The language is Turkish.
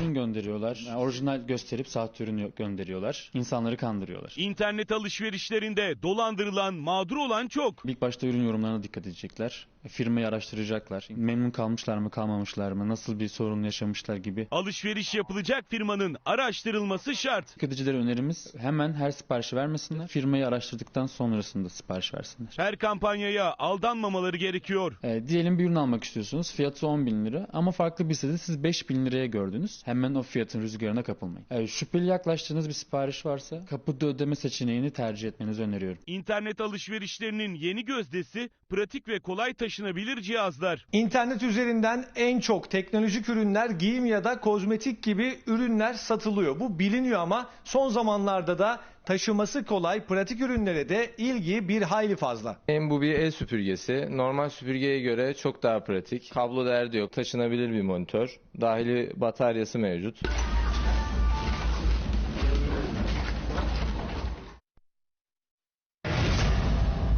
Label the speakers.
Speaker 1: ürün gönderiyorlar. Yani orijinal gösterip sahte ürün gönderiyorlar. İnsanları kandırıyorlar.
Speaker 2: İnternet alışverişlerinde dolandırılan, mağdur olan çok.
Speaker 1: İlk başta ürün yorumlarına dikkat edecekler. Firmayı araştıracaklar. Memnun kalmışlar mı, kalmamışlar mı, nasıl bir sorun yaşamışlar gibi.
Speaker 2: Alışveriş yapılacak firmanın araştırılması şart.
Speaker 1: Tüketicilere önerimiz hemen her siparişi vermesinler. Firmayı araştırdıktan sonrasında sipariş versinler.
Speaker 2: Her kampanyaya aldanmamaları gerekiyor.
Speaker 1: Diyelim bir ürün almak istiyorsunuz. Fiyatı 10.000 lira ama farklı bir sitede siz 5.000 liraya gördünüz. Hemen o fiyatın rüzgarına kapılmayın. Şüpheli yaklaştığınız bir sipariş varsa kapıda ödeme seçeneğini tercih etmenizi öneriyorum.
Speaker 2: İnternet alışverişlerinin yeni gözdesi pratik ve kolay taşınabilir cihazlar.
Speaker 3: İnternet üzerinden en çok teknolojik ürünler, giyim ya da kozmetik gibi ürünler satılıyor. Bu biliniyor ama son zamanlarda da taşıması kolay pratik ürünlere de ilgi bir hayli fazla.
Speaker 4: Bu bir el süpürgesi. Normal süpürgeye göre çok daha pratik. Kablo derdi yok. Taşınabilir bir monitör. Dahili bataryası mevcut.